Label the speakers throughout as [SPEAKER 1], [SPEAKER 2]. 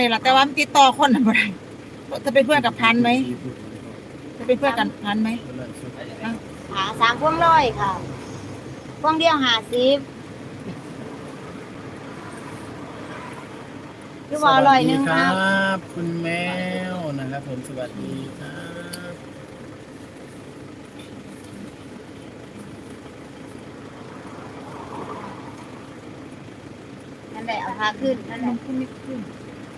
[SPEAKER 1] ล่ะแต่ว่ามันติดต่อคนน่ะบ่ได้จะเป็นเพื่อนกับพันไหมจะเป็นเพื่อนกันพันไหม
[SPEAKER 2] หา3 พวงร้อยค่ะพวงเดียว50หรือว่า100
[SPEAKER 3] ค
[SPEAKER 2] ค
[SPEAKER 3] รั
[SPEAKER 2] รับ
[SPEAKER 3] บคุณแมวนะครับผมสวัสดีครับ
[SPEAKER 2] นั่นแหละเอาพาขึ้นนั่นแหละ
[SPEAKER 1] ขึ้นไม่ขึ้น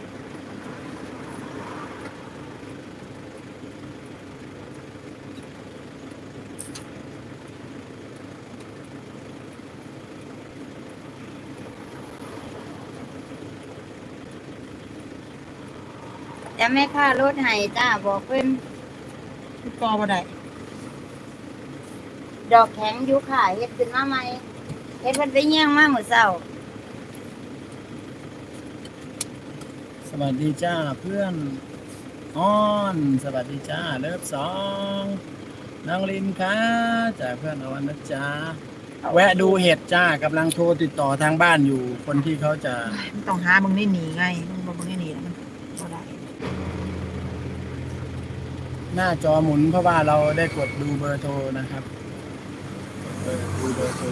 [SPEAKER 2] แต่แม่ค่ารถให้จ้าบอกเพิ่น
[SPEAKER 1] ติดต่อบ่ได้
[SPEAKER 2] ดอกแข็งอยู่ค่ะเฮ็ดขึ้นมาใหม่เฮ็ดเพิ่นไปเยี่ยงมามื้อเช้า
[SPEAKER 3] สวัสดีจ้าเพื่อนอ้อนสวัสดีจ้าเลิฟสองน้องลินค่ะจากเพื่อนอวันนะจ้าแวะดูเห็ดจ้ากำลังโทรติดต่อทางบ้านอยู่คนที่เขาจะ
[SPEAKER 1] มันต้องหามึงได้หนีไงมึงบ่มึงได้หนีแล้วมันบ่ได้
[SPEAKER 3] หน้าจอหมุนเพราะว่าเราได้กดดูเบอร์โทรนะครับดูเบอร์โทร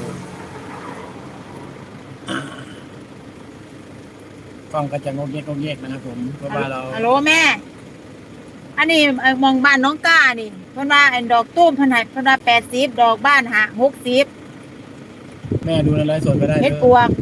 [SPEAKER 3] กล้องก็จะงกเงกนะครับผมเพราะว่าเรา
[SPEAKER 1] ฮัลโหลแม่ อันนี้มองบ้านน้องก้านี่เพิ่นว่าไอ้ดอกตุ้มเพิ่นให้เพิ่นว่า80ดอกบ้านหา60
[SPEAKER 3] แม่ดูในไลฟ์สดก็ได้
[SPEAKER 1] เฮ็ด
[SPEAKER 3] เด้
[SPEAKER 1] ปวก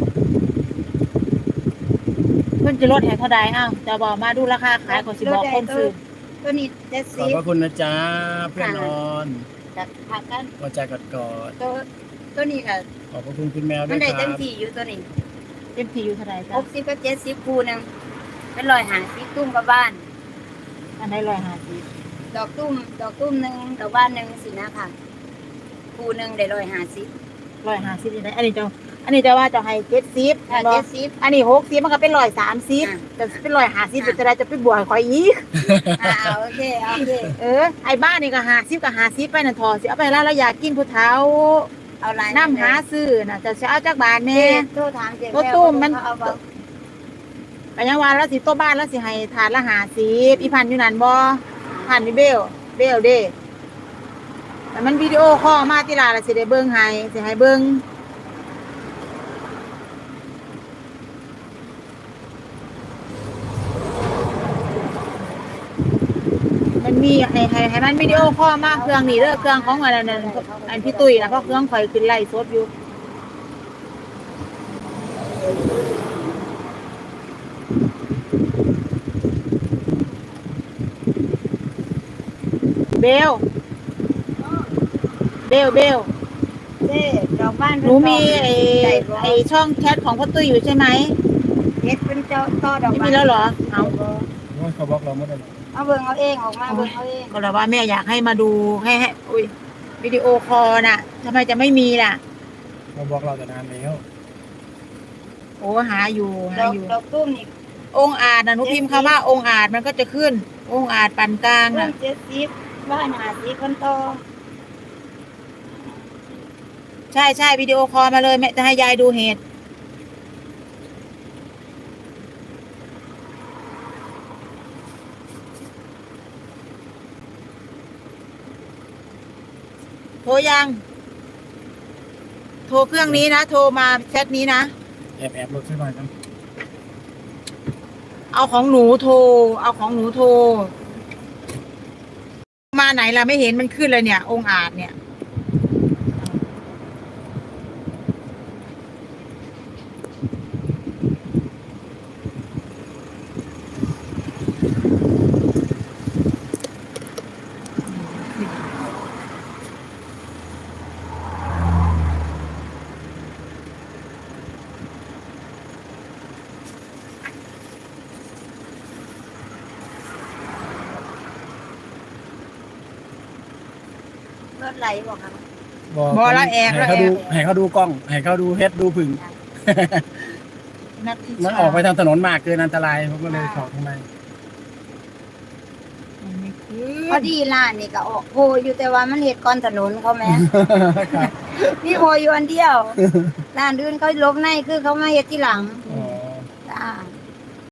[SPEAKER 1] เพิ่นจะลดให้เท่าใดอ้าวจะบอกมาดูราคาขายก็สิบอกคนซื้อ
[SPEAKER 2] ตัวนี้
[SPEAKER 3] ขอบพระ
[SPEAKER 2] 70
[SPEAKER 3] คุณนะจ๊ะเพื่อนนอน
[SPEAKER 2] กับผักกัน
[SPEAKER 3] กอดใจกอดกอด
[SPEAKER 2] ตัวนี้ก็
[SPEAKER 3] ขอบพระคุณคุณแมวด้
[SPEAKER 2] มั
[SPEAKER 3] วน ย
[SPEAKER 2] ได้
[SPEAKER 3] ค
[SPEAKER 2] เต็
[SPEAKER 3] รั
[SPEAKER 2] ม
[SPEAKER 3] บ
[SPEAKER 2] ที่อยู่ตัวนี้
[SPEAKER 1] เต็มที่อยู่เท่าใดจ้ะ
[SPEAKER 2] 60กับ70คู่หนึงเป็น150ตุ้มกับบ้าน
[SPEAKER 1] อันใด150
[SPEAKER 2] ดอกตุ้มหนึงดอกบ้านหนึงสินะค่ะคู่หนึงได้150
[SPEAKER 1] 150นี่ได้อันนี้จะว่าจะให้70
[SPEAKER 2] ถ้า
[SPEAKER 1] บ่
[SPEAKER 2] 70
[SPEAKER 1] อันนี้60มันก็เป็น130แต่เป็น150เป็นจะได้จะไปบวกให้ข่อยอีก
[SPEAKER 2] โอเค
[SPEAKER 1] ไอ้บ้านนี่ก็50ก็50ไปนั่นทอสิเอาไปแล้วเราอยากกินผู้เฒ่า
[SPEAKER 2] เอาหลาย
[SPEAKER 1] น้ำหาซื้อน่ะจะเอาจากบ้าน
[SPEAKER 2] แม่
[SPEAKER 1] แน่
[SPEAKER 2] โทรถามเจ๊
[SPEAKER 1] รถตู้มัน
[SPEAKER 2] เอาบ่
[SPEAKER 1] ก็ยังว่าแล้วสิโตบ้านแล้วสิให้ถาดละ50อีพันอยู่นั่นบ่พันนี่เบลเด้แต่มันวิดีโอคอลมาติล่ะแล้วสิได้เบิ่งให้สิให้เบิ่งมันมีให้มันวิดีโอคอลมาเครื่องนี้เด้อเครื่องของอันนั้นอันพี่ตุ้ยนะเพราะเครื่องข่อยขึ้นไลฟ์สดอยู่เบล
[SPEAKER 2] เจ๊ดอกบ้าน
[SPEAKER 1] หนูมีไอ้ช่องแชทของพ่อตุ้ยอยู่ใช่ไหม
[SPEAKER 2] เฮ็ดเป็นเจ้าต่อดอก
[SPEAKER 1] ไม่
[SPEAKER 2] บ้าน
[SPEAKER 1] มีแล้วเหรอเอา
[SPEAKER 3] โอ้ยเขาบล็อกเราไม่ได้หรอก
[SPEAKER 2] เอาเบิ่งเอาเองออกมาเบิ่งเอาเอง
[SPEAKER 1] ก็เลยว่าแม่อยากให้มาดูให้อุ้ยวิดีโอคอลน่ะทำไมจะไม่มีล่ะ
[SPEAKER 3] เขาบล็อกเราแต่นานแล้ว
[SPEAKER 1] โอ้หาอยู่
[SPEAKER 2] ดอกตุ้มนี่
[SPEAKER 1] องค์อาจนะหนูพิมพ์คำว่าองค์อาจมันก็จะขึ้น องค์อาจปานกลาง
[SPEAKER 2] ตุ้
[SPEAKER 1] น่ะ
[SPEAKER 2] ม70บ้าน50คนต่อ
[SPEAKER 1] ใช่วิดีโอคอลมาเลยแม่จะให้ยายดูเห็ดโทรยัง โทรเครื่องนี้นะ โทรมาแชทนี้นะ
[SPEAKER 3] แอบลดใช่ไหมครับ
[SPEAKER 1] เอาของหนูโทร มาไหนล่ะไม่เห็นมันขึ้นเลยเนี่ย องค์อาจเนี่ย
[SPEAKER 2] รถไหลบ่ครับ
[SPEAKER 1] บอแล้วแอบ
[SPEAKER 3] ให้เขาดูกล้องให้เขาดูเฮ็ดดูผึ่ง
[SPEAKER 1] นัดที่
[SPEAKER 3] มันออกไปทางถนนมากเกินอันตรายผมก็เลยขอข้างใน
[SPEAKER 1] มันไม่ขึ้
[SPEAKER 2] พอน ดีร้านนี่ก็ออกโพอยู่แต่ว่ามันเฮ็ดก่อนถนนเขาแม่ มีโพอยู่อันเดียวร้านอื่นเขาลบในคือเขามาเฮ็ดทีหลัง
[SPEAKER 1] ม